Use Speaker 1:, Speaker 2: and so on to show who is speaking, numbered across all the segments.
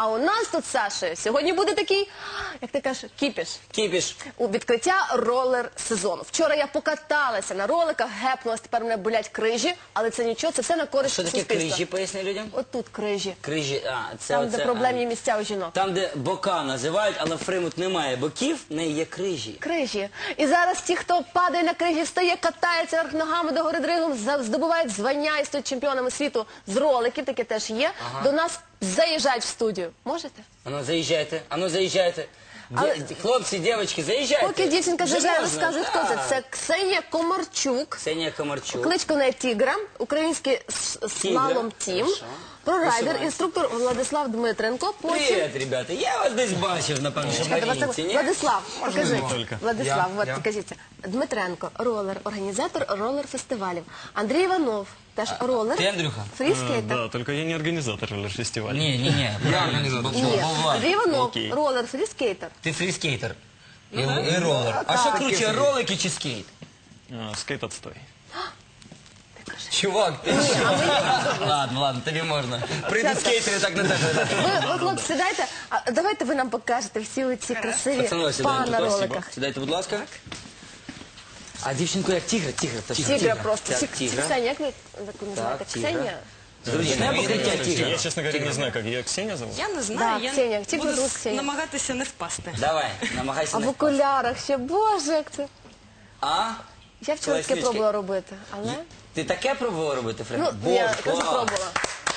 Speaker 1: А у нас тут, Сашою, сьогодні буде такий, як ти кажеш, кіпіш.
Speaker 2: Кіпіш.
Speaker 1: У відкриття ролер-сезону. Вчора я покаталася на роликах, гепнулась, тепер мене болять крижі, але це нічого, це все на користь
Speaker 2: Що таке
Speaker 1: суспільства.
Speaker 2: крижі, поясни людям?
Speaker 1: От тут крижі.
Speaker 2: Крижі, це
Speaker 1: Там,
Speaker 2: оце,
Speaker 1: де проблемні місця у жінок.
Speaker 2: Там, де бока називають, але в Фримут немає боків, в неї є крижі.
Speaker 1: Крижі. І зараз ті, хто падає на крижі, встає, катається верх ногами до гори дригом, здобувають звання і стають чемпіонами світу з роликів, таке теж є. До нас заїжджають в студію. Можете?
Speaker 2: Ану, заїжджайте, ану, заїжджайте.
Speaker 1: Але-
Speaker 2: Хлопці, дівчатки, заїжджайте.
Speaker 1: Поки дівчинка
Speaker 2: Вже
Speaker 1: заїжджає,
Speaker 2: можна?
Speaker 1: розкажуть, хто це.
Speaker 2: Так.
Speaker 1: Це Ксенія Комарчук.
Speaker 2: Ксенія Комарчук.
Speaker 1: Кличко неї Тігра, український слалом тім,
Speaker 2: Хорошо.
Speaker 1: прорайдер,
Speaker 2: Висувайся.
Speaker 1: інструктор Владислав Дмитренко. Потім
Speaker 2: Привіт, ребята. Я вас десь бачив, напевно, що в Марінці, ні?
Speaker 1: Владислав, покажи.
Speaker 3: Тільки.
Speaker 1: Владислав,
Speaker 3: Я.
Speaker 1: от покажіться. Дмитренко, ролер, організатор ролер-фестивалів. Андрій Іванов, теж ролер.
Speaker 2: Ти, Андрюха?
Speaker 1: Фріскейтер.
Speaker 3: Да, только я не организатор фестиваля.
Speaker 2: Ні, я організатор.
Speaker 1: Ні, Андрій Іванов,
Speaker 3: Окей.
Speaker 1: ролер, фріскейтер.
Speaker 2: Ти фріскейтер. І ролер. А що круче, ролики чи скейт?
Speaker 3: Скейт отстой.
Speaker 2: Чувак, ти Ладно, тобі можна. Прийдуть скейтери, так не так.
Speaker 1: Ви, хлопці, сідайте, а давайте ви нам покажете всі оці красиві
Speaker 2: Пацани,
Speaker 1: па на
Speaker 2: сідайте,
Speaker 1: роликах.
Speaker 2: сідайте, будь ласка. А дівчинку як тігра?
Speaker 1: Тігра просто.
Speaker 2: Так, тігра.
Speaker 1: Ксенія, як ви називаєте?
Speaker 2: тігра.
Speaker 1: Ксенія?
Speaker 2: Зручне покриття тігра.
Speaker 3: Я, честно говоря, не знаю, как ее Ксения зовут.
Speaker 4: Я не знаю,
Speaker 1: Да,
Speaker 4: я
Speaker 1: Ксенія, тільки
Speaker 4: буду
Speaker 1: звуть Ксенія.
Speaker 4: намагатися не впасти.
Speaker 2: Давай, намагайся
Speaker 1: А в
Speaker 2: не впасти.
Speaker 1: окулярах ще, боже, як це.
Speaker 2: А?
Speaker 1: Я вчора таке
Speaker 2: Класнючки.
Speaker 1: пробувала робити, але...
Speaker 2: Ти таке пробувала робити, Фред?
Speaker 1: Ну, я теж
Speaker 2: клас.
Speaker 1: пробувала.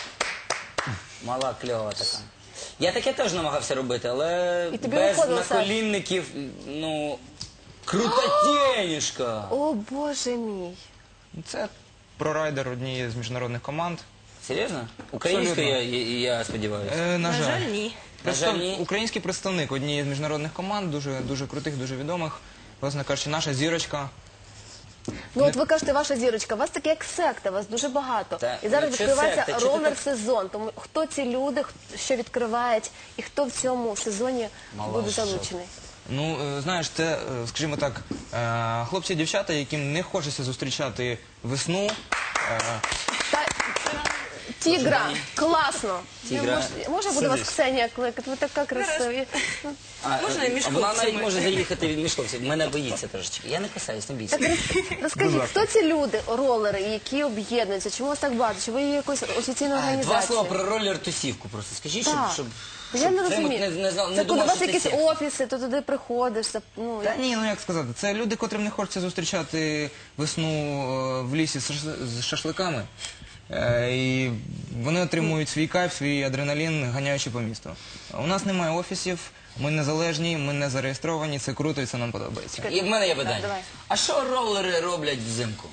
Speaker 2: Мала, кльова така. Я таке теж намагався робити, але
Speaker 1: І тобі
Speaker 2: без
Speaker 1: виходило, Саш?
Speaker 2: наколінників, ну, крутотєнішка.
Speaker 1: О, боже мій.
Speaker 5: Це прорайдер однієї з міжнародних команд.
Speaker 2: Серйозно? Українською я сподіваюся.
Speaker 5: На
Speaker 4: На жаль,
Speaker 5: жаль.
Speaker 4: ні.
Speaker 2: На жаль, ні.
Speaker 5: Український представник однієї з міжнародних команд, дуже крутих, дуже відомих. Власне кажучи, наша зірочка.
Speaker 1: Ну от ви кажете, ваша зірочка, у вас таке як секта, вас дуже багато.
Speaker 2: Та,
Speaker 1: І зараз
Speaker 2: ну, що
Speaker 1: відкривається
Speaker 2: секта? Чого ти
Speaker 1: ролер-сезон. Тому хто ці люди, що відкривають, і хто в цьому сезоні
Speaker 2: Мала
Speaker 1: буде
Speaker 2: що.
Speaker 1: залучений?
Speaker 5: Ну, знаєш, це, скажімо так, хлопці і дівчата, яким не хочеться зустрічати весну.
Speaker 1: Та... Тігра, класно.
Speaker 2: Тігра.
Speaker 1: Може буде вас Ксенія кликати? Ви така красиві.
Speaker 4: Можна і між
Speaker 2: Вона навіть
Speaker 4: хлопцями.
Speaker 2: може заїхати між хлопців. Мене боїться трошечки. Я не касаюсь, не бійся.
Speaker 1: Так розкажіть, хто ці люди, ролери, які об'єднуються? Чому вас так багато? Чи ви є якоюсь офіційною
Speaker 2: Два
Speaker 1: організацією?
Speaker 2: слова про ролер-тусівку просто скажіть,
Speaker 1: Так.
Speaker 2: щоб
Speaker 1: Я не
Speaker 2: Фремут
Speaker 1: розумію.
Speaker 2: не
Speaker 1: Це коли у
Speaker 2: думав,
Speaker 1: вас
Speaker 2: що це
Speaker 1: якісь
Speaker 2: секта.
Speaker 1: офіси, то туди приходиш. Ну,
Speaker 5: Та ні, ну як сказати, це люди, котрим не хочеться зустрічати весну в лісі з шашликами. І вони отримують свій кайф, свій адреналін, ганяючи по місту. У нас немає офісів, ми незалежні, ми не зареєстровані, це круто і це нам подобається.
Speaker 2: І в мене є питання.
Speaker 1: давай.
Speaker 2: А що ролери роблять взимку?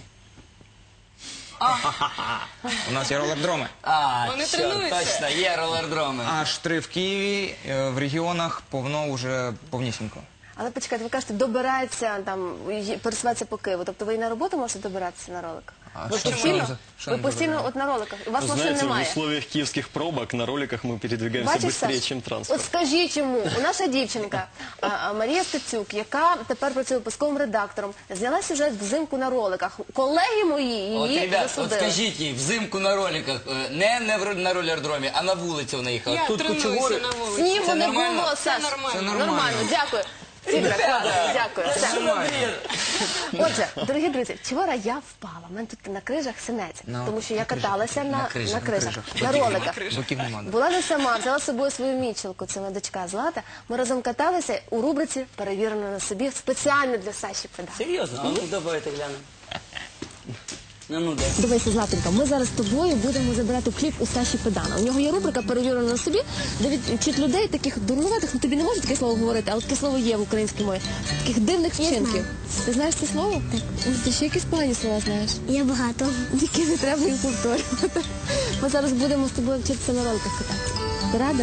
Speaker 5: У нас є ролердроми.
Speaker 4: Вони
Speaker 2: що,
Speaker 4: тренуються.
Speaker 2: точно, є ролердроми.
Speaker 5: Аж 3 в Києві, в регіонах повно вже повнісінько.
Speaker 1: Але почекайте, ви кажете, добирається, там, пересуватися по Києву. Тобто ви і на роботу можете добиратися на роликах? Ви
Speaker 5: що
Speaker 1: постійно,
Speaker 5: ми- що
Speaker 1: ви
Speaker 5: ми
Speaker 1: постійно
Speaker 5: добираємо?
Speaker 1: от на роликах. У вас машин
Speaker 3: Знаете, в
Speaker 1: немає.
Speaker 3: условиях киевских пробок на роликах мы передвигаемся
Speaker 1: Бачиш,
Speaker 3: быстрее,
Speaker 1: Саш?
Speaker 3: чем
Speaker 1: От
Speaker 3: транспорт.
Speaker 1: скажіть йому, наша дівчинка Марія Стецюк, яка тепер працює випусковим редактором, зняла сюжет взимку на роликах. Колеги мої
Speaker 2: От,
Speaker 1: її
Speaker 2: ребят, от
Speaker 1: засудили.
Speaker 2: скажіть їй, взимку на роликах, не на ролердромі, а на вулиці вона їхала.
Speaker 4: Я
Speaker 2: Тут
Speaker 4: тренуюся
Speaker 2: кучугури.
Speaker 4: на вулиці.
Speaker 1: Снігу
Speaker 2: Це
Speaker 1: не
Speaker 2: нормально?
Speaker 1: було, Саш.
Speaker 4: нормально.
Speaker 1: Нормально, дякую. Тігра, класно, дякую. Все. Отже, дорогі друзі, вчора я впала. У мене тут на крижах синець, тому що я каталася на крижах, на роликах.
Speaker 5: Боків нема.
Speaker 1: Була не сама, взяла з собою свою мічелку, це моя дочка Злата. Ми разом каталися у рубриці «Перевірено на собі» спеціально для Саші Педа.
Speaker 2: Серйозно? А ну давайте глянемо. Ну, дай.
Speaker 1: Дивися, Златенька, ми зараз з тобою будемо забирати кліп у Саші Педана. У нього є рубрика «Перевірено на собі», де вчить людей таких дурнуватих, ну тобі не можу таке слово говорити, але таке слово є в українській мові, таких дивних вчинків. Ти знаєш це слово? Так. Ти ще якісь погані слова знаєш?
Speaker 6: Я багато.
Speaker 1: Тільки не треба їх повторювати. Ми зараз будемо з тобою вчитися на роликах кататися. Ти рада?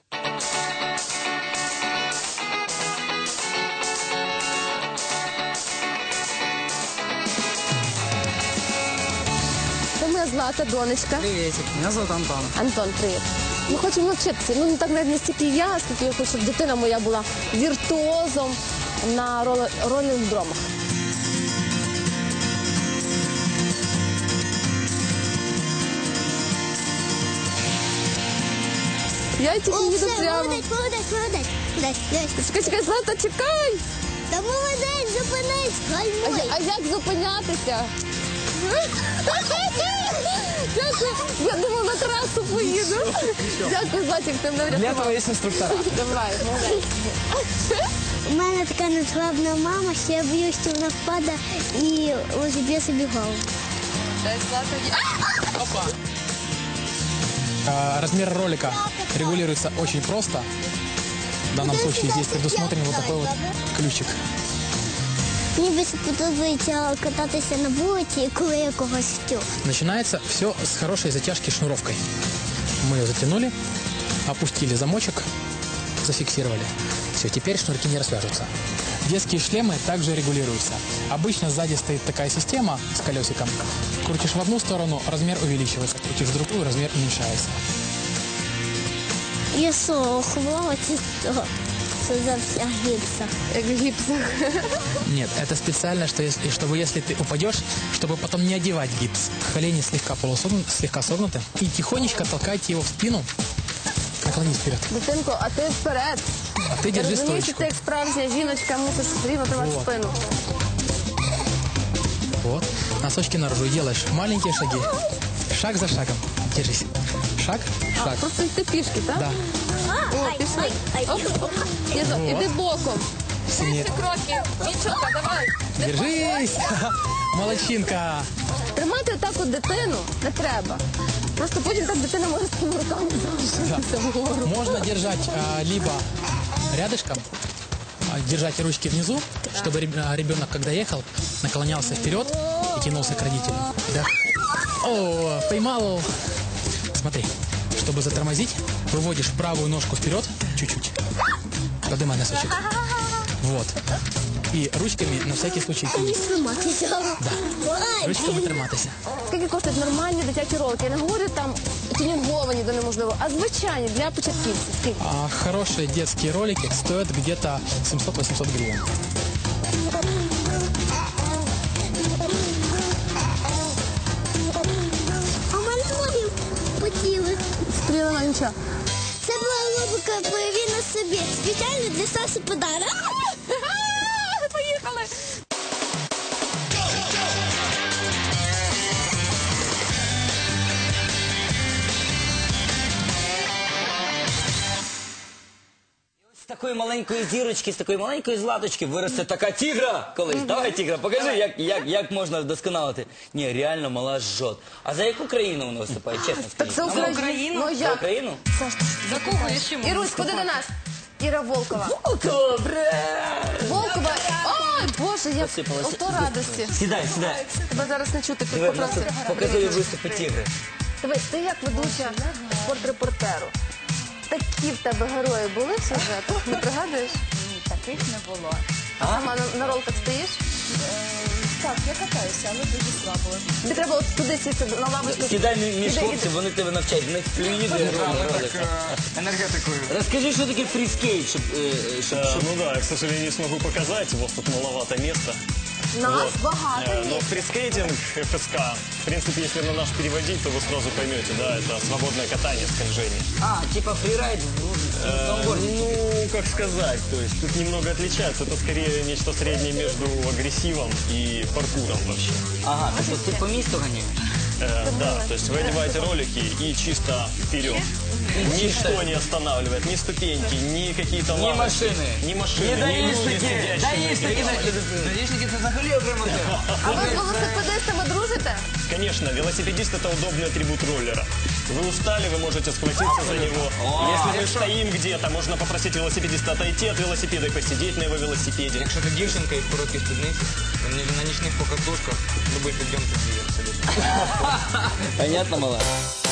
Speaker 1: Це моя Злата, донечка.
Speaker 5: Привіт, мене звати Антон.
Speaker 1: Антон, привіт. Ми хочемо навчитися. Ну, не так навіть не стільки я, скільки я хочу, щоб дитина моя була віртуозом на роліндромах. Я тільки
Speaker 6: О,
Speaker 1: їду
Speaker 6: все,
Speaker 1: прямо.
Speaker 6: молодець.
Speaker 1: Чекай, Злата, чекай!
Speaker 6: Та молодець, зупинись, гальмуй.
Speaker 1: А як зупинятися? Дякую. Я думала, на трасу поїду. Дякую, Златик, ти мене врятував.
Speaker 5: є інструктора.
Speaker 1: Давай, молодець.
Speaker 6: У мене така незглавна мама, що я боюсь, що вона впаде і розіб'є собі голову.
Speaker 7: Размер ролика регулируется очень просто. В данном случае здесь предусмотрен вот такой вот ключик.
Speaker 6: Мені більше подобається кататися на вулиці, коли я когось втю.
Speaker 7: Начинается все с хорошей затяжки шнуровкой. Мы ее затянули, опустили замочек, зафиксировали. Все, теперь шнурки не развяжутся. Детские шлемы также регулируются. Обычно сзади стоит такая система с колесиком. Крутишь в одну сторону, размер увеличивается. Крутишь в другую, размер уменьшается.
Speaker 6: Я що, хвалити того, що за вся гіпса.
Speaker 1: Як в гіпсах.
Speaker 7: Нет, это специально, чтобы если ты упадешь, чтобы потом не одевать гипс. Колени слегка слегка согнуты. И тихонечко толкайте его в спину. Наклонись вперед.
Speaker 1: Дитинко, а ти вперед.
Speaker 7: А ты держи
Speaker 1: Розумієш, що
Speaker 7: стоечку.
Speaker 1: ти як справжня жіночка мусиш рівно тримати
Speaker 7: Вот.
Speaker 1: спину.
Speaker 7: Вот. Носочки наружу. И делаешь маленькие шаги. Шаг за шагом. Держись. Шаг, шаг.
Speaker 1: Просто йти пішки, так?
Speaker 7: Да.
Speaker 1: О, пішли. Оп, оп. Іди боком.
Speaker 7: Сильнее.
Speaker 1: Кроки. Мічука, давай.
Speaker 7: Держись. Молодчинка.
Speaker 1: Тримати отак от дитину не треба. Просто потім так дитина може з цими руками залишитися вгору.
Speaker 7: Можно держать либо рядышком, держать ручки внизу, чтобы ребенок, когда ехал, наклонялся вперед и тянулся к родителю. Да. О, поймал. Смотри, чтобы затормозить, выводишь правую ножку вперед чуть-чуть. Поднимай носочек. Вот. И ручками на всякий случай тянись.
Speaker 6: Триматися.
Speaker 7: Да. Ручками триматися.
Speaker 1: Скільки коштують нормальні дитячі ролики? Я не говорю там тюнінговані до неможливо, а звичайні для початківців. Скільки?
Speaker 7: Хорошие детские ролики стоят где-то 700-800 гривен.
Speaker 6: А в мене ноги потіли.
Speaker 1: Стрілила нічого.
Speaker 6: Це була рубрика «Прояви на собі». Спеціально для Саші подарок.
Speaker 1: Поїхали!
Speaker 2: З такої маленької зірочки, з такої маленької златочки виросте така тігра колись. Давай, тігра, покажи, як можна вдосконалити. Ні, реально мала жжот. А за яку країну вона виступає, чесно
Speaker 1: Так
Speaker 2: скажіть?
Speaker 1: це
Speaker 2: Нам-
Speaker 1: Україна. Ну
Speaker 2: За
Speaker 1: як?
Speaker 2: Україну?
Speaker 4: За кого я ще можу
Speaker 1: Ірусь, ходи до нас. Іра Волкова.
Speaker 2: Добре!
Speaker 1: Волкова. Ой, Боже, я
Speaker 2: Посипалася.
Speaker 1: ото радості.
Speaker 2: Сідай, сідай.
Speaker 1: Тебе зараз не чути,
Speaker 2: Диви,
Speaker 1: попроси.
Speaker 2: показую виступи тігри.
Speaker 1: Дивись, ти як ведуча спортрепортеру. Такі в тебе герої були в сюжетах? Не пригадуєш?
Speaker 8: Ні, таких не було.
Speaker 1: А сама на роликах стоїш?
Speaker 8: Так, я катаюся, але дуже слабо.
Speaker 1: Тобі треба от туди сісти на лавочку.
Speaker 2: Сідай між
Speaker 1: Іди,
Speaker 2: хлопців, вони тебе навчать. В них флюїди ролики.
Speaker 5: Енергетикою.
Speaker 2: Розкажи, що таке фріскейт, щоб...
Speaker 3: Ну да, я, к сожалению, не смогу показать, у вас тут маловато места.
Speaker 1: Нас багато
Speaker 3: Но
Speaker 1: є.
Speaker 3: фрискейтинг, ФСК, в принципе, если на наш переводить, то вы сразу поймете, да, это свободное катание, скольжение.
Speaker 2: А, типа фрирайд в сноуборде.
Speaker 3: Ну, как сказать, то есть тут немного отличается, это скорее нечто среднее между агрессивом и паркуром вообще.
Speaker 2: Ага, тобто ти по місту ганяєш?
Speaker 3: Да, то есть вы одеваете ролики и чисто вперед. Ничто не останавливает, ни ступеньки, ни какие-то
Speaker 2: Ні
Speaker 3: лавочки,
Speaker 2: машини.
Speaker 3: ни машины, ни люди, сидящие на
Speaker 2: Даїшники.
Speaker 5: Даїшники це взагалі окрема тема.
Speaker 1: А ви з велосипедистами дружите?
Speaker 3: Конечно, велосипедист это удобный атрибут роллера. Вы устали, вы можете схватиться за него. Если мы стоим где-то, можно попросить велосипедиста отойти от велосипеда и посидеть на его велосипеде.
Speaker 5: Якщо ти дівчинка і в короткій спідниці, на нічних покатушках, любий підйом тобі абсолютно.
Speaker 2: Понятно, мала?